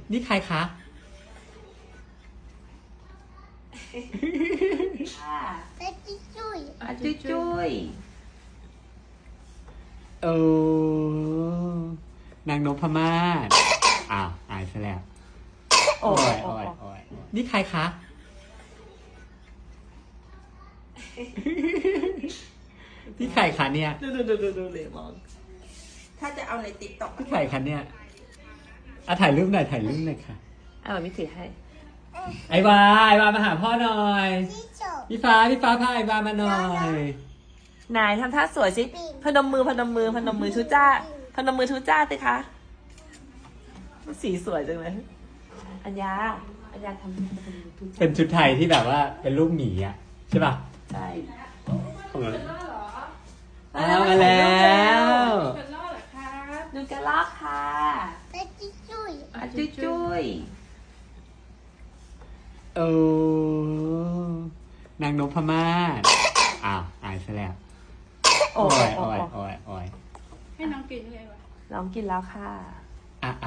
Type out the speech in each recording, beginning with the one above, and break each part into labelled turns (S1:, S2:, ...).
S1: นี่ใครคะ
S2: จุ้ย
S1: เออนางนพมาศอ้าวอายซะแล้วโอ้ยนี่ใครคะนี่ใครคะเนี่ย
S2: ดูเลยมองถ้าจะเอาในติ๊กต็อก
S1: นี่ใครคะเนี่ยถ่ายรูปหน่อยค่ะ
S2: เราไม่ถือให้
S1: ไอวามาหาพ่อหน่อยพี่ฟ้าพาไอวามาหน่อย
S2: นายทำท่าสวยสิพนมมือทุจ้าพนมมือทุจ้าสิคะสีสวยจังเลยอัญญาทำทุจ้า
S1: เป็นชุดไทยที่แบบว่าเป็นรูปหมีอ่ะใช่ป่ะ
S2: ใช่
S1: มาแล้ว
S2: ดูกระลอกค่ะจุ้ย
S1: เออนางนพมาศอ้าวอายซะแล้วโอ้ย
S3: ให้น้องกินเลยวะ
S2: น้องกินแล้วค่ะ
S1: เอ้า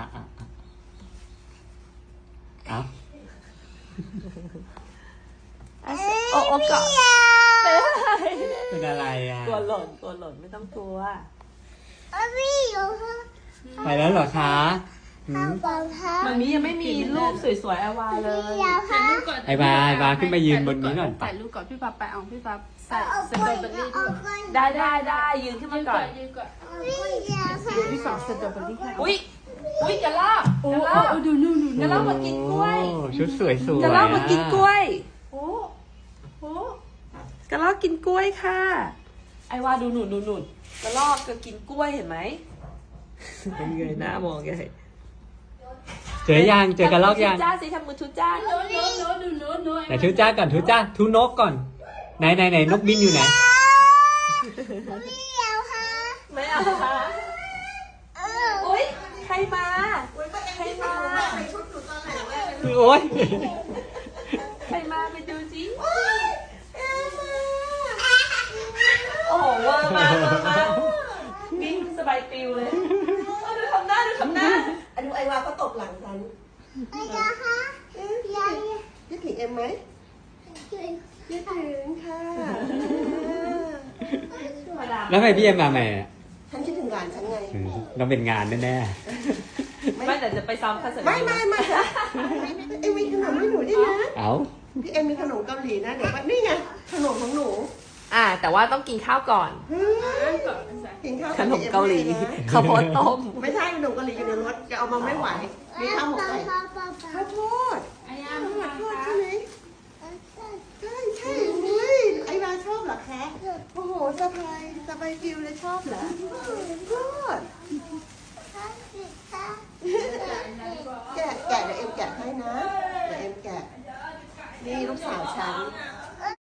S2: โอ้เกาะ
S1: เป็นอะไรอ่ะ
S2: ตัวหล่นไม่ต้องกลัว
S1: ไปแล้วเหรอคะหืม
S2: มันนี้ยังไม่มีรูปสวยๆไอวาเลย
S3: ถ่ายรูปก่อน
S1: ไอวาขึ้นมายืนบนนี้ก่อน
S3: ถ่ายรูปก่อนพี่ฟ้าไปเอาพี่ฟ้าใส่สตรอเบอรี่ด้วย
S2: ได้ยืนขึ้นมาก่อน
S3: ยืนก่อนพี่ฟ้าสตรอเบอรี่ค่ะ
S2: อุ้ยกระลอก
S3: โอ้ดูนู่น
S2: กระลอกมากินกล้วย
S1: โอ้ชุดสวยๆ
S2: กระลอกมากินกล้วย
S3: โอ้โห
S2: กระลอกกินกล้วยค่ะ ไอวาดูหนุนกระลอกก็กินกล้วยเห็นไหมเป็นไงหน้ามองไง
S1: เจอกระลอกยัง
S2: จ้าสิทำมือทุจ้า
S3: โน้
S1: ไหนทุจ้าก่อนทุนกก่อนไหนนกบินอยู่ไหน
S2: ไม่เอาค่ะอุ้ยใครมา
S1: โอ๊ย
S2: ใครมาไปดูสิโอ้โหเวอร์มากวิ่งสบายปิวเลยดูทำหน้า
S4: ดูไอวาก็ตบหลังฉันยึดถึงเอ็มไหมยึดถึงค่ะ
S1: แล้วทำไมพี่เอ็มมาใหม่อะ
S4: ฉันคิดถึงหลานฉันไง
S1: ต้องเป็นงานแน่
S2: ไม่แต่จะไปซ้อมคอนเสิร์ต
S4: ไม่เอ็มมีขนมให้หนูด้วยนะ
S1: ๆเอ้า
S4: พี่เอ็มมีขนมเกาหลีนะเดี๋ยวว่านี่ไงขนมของหนู
S2: แต่ว่าต้องกินข้าวก่อน
S4: กินข้าว
S2: ขนมเกาหลีข้าวโพดต้ม
S4: ไม่ใช่ขนมเกาหลีอยู่ในรถจะเอามาไม่ไหวมีข้าวหมกไก่ข้าวโพด
S3: อายา
S4: ข้าว
S3: มา
S4: โพด
S3: ค่ะ
S4: ใช่ไหมใช่อุ้ยไอวาชอบเหรอคะโอ้โหสบายฟิวเลยชอบเหรอโคตรแกะเดี๋ยวเอ็มแกะให้นะเดี๋ยวเอ็มแกะนี่ลูกสาวฉัน